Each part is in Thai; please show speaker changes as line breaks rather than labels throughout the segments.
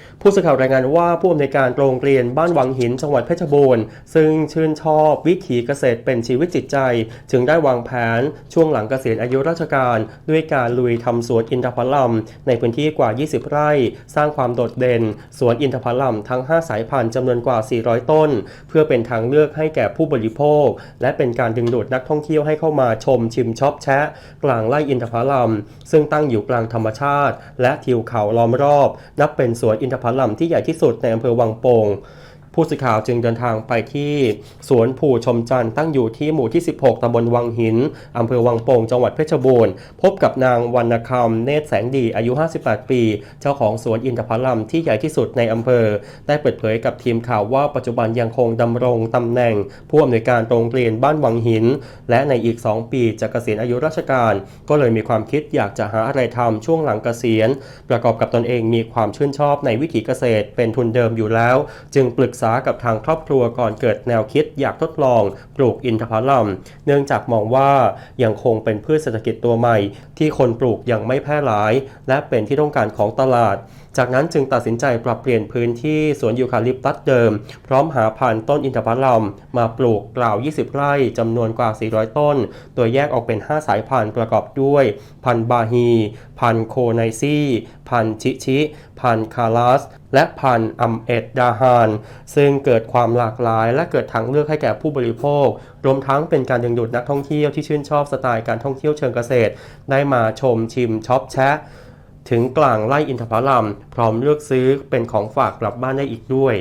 ผู้สื่อข่าวรายงานว่าผู้อำนวยการโรงเรียนบ้านวังหินจังหวัดเพชรบูรณ์ซึ่งชื่นชอบวิถีเกษตรเป็นชีวิตจิตใจจึงได้วางแผนช่วงหลังเกษียณอายุราชการด้วยการลุยทำสวนอินทผลัมในพื้นที่กว่า 20 ไร่สร้างความโดดเด่นสวนอินทผลัมทั้ง 5 สายพันธุ์จำนวนกว่า 400 ต้นเพื่อเป็นทางเลือกให้แก่ผู้บริโภคและเป็นการดึงดูดนักท่องเที่ยวให้เข้ามาชมชิมช็อปแชะกลางไร่อินทผลัมซึ่งตั้งอยู่กลางธรรมชาติและทิวเขาล้อมรอบนับเป็นสวนอินทผลัมที่ใหญ่ที่สุดในอำเภอวังโป่งผู้สื่อข่าวจึงเดินทางไปที่สวนผู่ชมจันทร์ตั้งอยู่ที่หมู่ที่ 16 ตำบลวังหินอำเภอวังโป่งจังหวัดเพชรบูรณ์พบกับนางวรรณคำเนตรแสงดีอายุ 58 ปีเจ้าของสวนอินทผลัมที่ใหญ่ที่สุดในอำเภอได้เปิดเผยกับทีมข่าวว่าปัจจุบันยังคงดำรงตำแหน่งผู้อำนวยการโรงเรียนบ้านวังหินและในอีก 2 ปีจะเกษียณอายุราชการก็เลยมีความคิดอยากจะหาอะไรทำช่วงหลังเกษียณประกอบกับตนเองมีความชื่นชอบในวิถีเกษตรเป็นทุนเดิมอยู่แล้วจึงปรึกษากับทางครอบครัวก่อนเกิดแนวคิดอยากทดลองปลูกอินทผลัมเนื่องจากมองว่ายังคงเป็นพืชเศรษฐกิจตัวใหม่ที่คนปลูกยังไม่แพร่หลายและเป็นที่ต้องการของตลาดจากนั้นจึงตัดสินใจปรับเปลี่ยนพื้นที่สวนยูคาลิปตัสเดิมพร้อมหาพันธุ์ต้นอินทผลัมมาปลูกกล่าว 20 ไร่จำนวนกว่า 400 ต้นโดยแยกออกเป็น 5 สายพันธุ์ประกอบด้วยพันธุ์บาฮีพันธุ์โคไนซี่พันธุ์ชิพันธุ์คาลัสและพันธุ์อัมเอ็ดดาฮานซึ่งเกิดความหลากหลายและเกิดทางเลือกให้แก่ผู้บริโภครวมทั้งเป็นการดึงดูดนักท่องเที่ยวที่ชื่นชอบสไตล์การท่องเที่ยวเชิงเกษตรได้มาชมชิมช็อปแชะถึงกลางไร่อินทผลัมพร้อมเลือกซื้อเป็นของฝากกลับบ้านได้อีกด้วย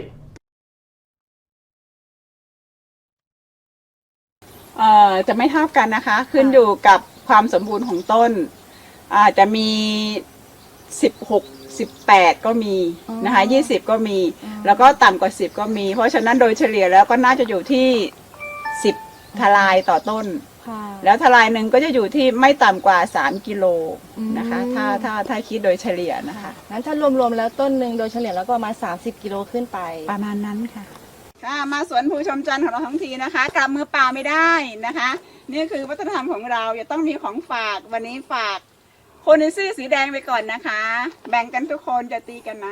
จะไม่เท่ากันนะคะขึ้นอยู่กับความสมบูรณ์ของต้นจะมี16-18ก็มีนะคะ20ก็มีแล้วก็ต่ำกว่า10ก็มีเพราะฉะนั้นโดยเฉลี่ยแล้วก็น่าจะอยู่ที่10ทลายต่อต้นแล้วทลายหนึ่งก็จะอยู่ที่ไม่ต่ำกว่า3กิโลนะคะถ้าคิดโดยเฉลี่ยนะคะ
งั้นถ้ารวมๆแล้วต้นหนึ่งโดยเฉลี่ยแล้วก็ประมาณ30กิโลขึ้นไป
ประมาณนั้นค่ะมาสวนภูชมจันทร์ของเราทั้งทีนะคะกลับมือเปล่าไม่ได้นะคะนี่คือวัฒนธรรมของเราจะต้องมีของฝากวันนี้ฝากโคเนซี่สีแดงไปก่อนนะคะแบ่งกันทุกคนจะตีกันนะ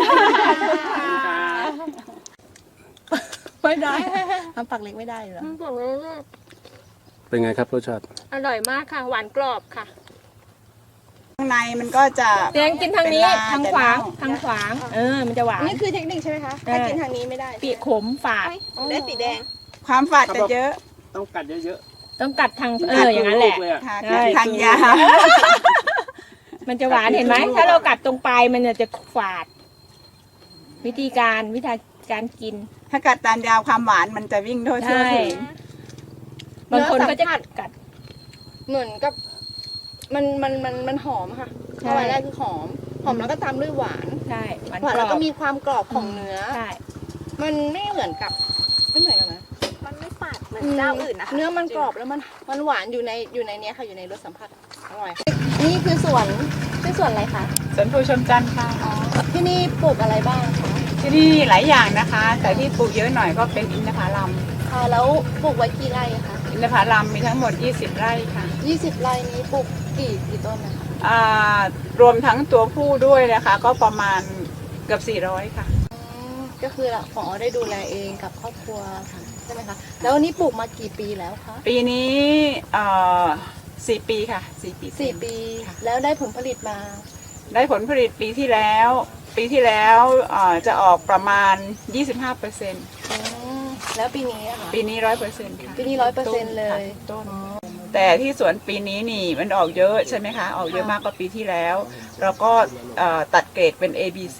ไม่ได้ทำปักเล็กไม่ได้เหรอ
เป็นไงครับรสชาติ
อร่อยมากค่ะหวานกรอบค่ะ
ข้างในมันก็จะ
เลี้ยงกินทางนี้ทางขวางมันจะหวาน
นี่คือเทคนิคใช่ไหมคะถ้ากินทางนี้ไม่ได้
ปีกขมฝาด
ได้สีแดง
ความฝาดจะเยอะ
ต้องกัดเยอะ
ๆต้องกัดทางอย่างนั้นแหละ
ทางยาว
มันจะหวานเห็นไหมถ้าเรากัดตรงปลายมันจะฝาดวิธีการกิน
ถ้ากัดตามยาวความหวานมันจะวิ่งทั่วถึง
บางคนก็จะกัด
เหมือนกับมันหอมค่ะเข้าไปแรกคือหอมแล้วก็ตามด้วยหวาน
ใช่
หวานแล้วก็มีความกรอบของเนื้อ
ใช่
มันไม่เหมือนกันนะ
มันไม่ฝาดเหมือนเจ้าอื่นนะคะ
เนื้อมันกรอบแล้วมันหวานอยู่ในเนี้ยค่ะอยู่ในรสสัมผัสอร่อยนี่คือสวนอะไรคะ
สวนภูชมจันทร์ค่ะ
ที่นี่ปลูกอะไรบ้างคะ
ที่นี่หลายอย่างนะคะแต่ที่ปลูกเยอะหน่อยก็เป็นอินทผลัม
ค่ะแล้วปลูกไว้กี่ไร่คะ
อินทผลัมมีทั้งหมด20ไร่ค่ะ
20ไร่นี้ปลูกกี่ต้นนะคะ
รวมทั้งตัวผู้ด้วยนะคะก็ประมาณเกือบ400ค่ะ
ก็คือผอได้ดูแลเองกับครอบครัวใช่ไหมคะแล้วนี่ปลูกมากี่ปีแล้วคะ
ปีนี้4 ปีค่ะ4 ปี
แล้วได้ผลผลิตมา
ได้ผลผลิตปีที่แล้วจะออกประมาณ 25%
แล้วปีนี้ค่ะ
ปีนี้ 100% ค่ะ
ปีนี้ 100% เลย
ต้นแต่ที่สวนปีนี้นี่มันออกเยอะใช่ไหมคะออกเยอะมากกว่าปีที่แล้วเราก็ตัดเกรดเป็น A B C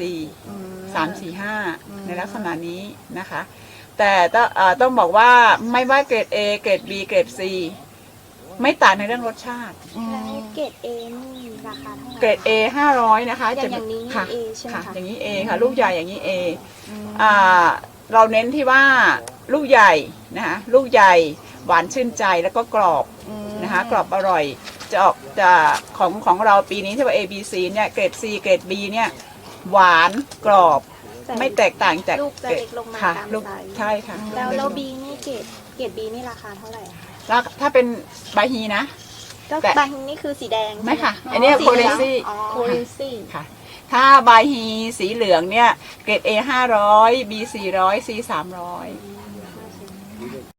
3-4-5 ในลักษณะนี้นะคะแต่ต้องบอกว่าไม่ว่าเกรด A เกรด B เกรด C ไม่ต่างในเรื่องรสชาติ
เกรด A นี่ราคาเท่าไหร่
เกรด A 500นะคะ
อย่างนี้
ค่ะ
A ใช่ไหมคะ
อย่างนี้ A ค่ะลูกใหญ่อย่างนี้ A เราเน้นที่ว่าลูกใหญ่นะคะลูกใหญ่หวานชื่นใจแล้วก็กรอบนะคะกรอบอร่อยจะของเราปีนี้ที่ว่า A B C เนี่ยเกรด C เกรด B เนี่ยหวานกรอบไม่แตกต่างจาก
ลูกจะเล็กลงมาตามไซส์
ใช่ค่ะ
แล้ว B นี่เกรด B นี่ราคาเท่าไหร่
ถ้าเป็นบาฮีนะ
ก็บาฮีนี่คือสีแดง
ไม่ค่ะอันนี้โคเรนซี่
ค่ะ
ค่ะถ้าบายฮีสีเหลืองเนี่ยเกรด A 500 B 400 C 300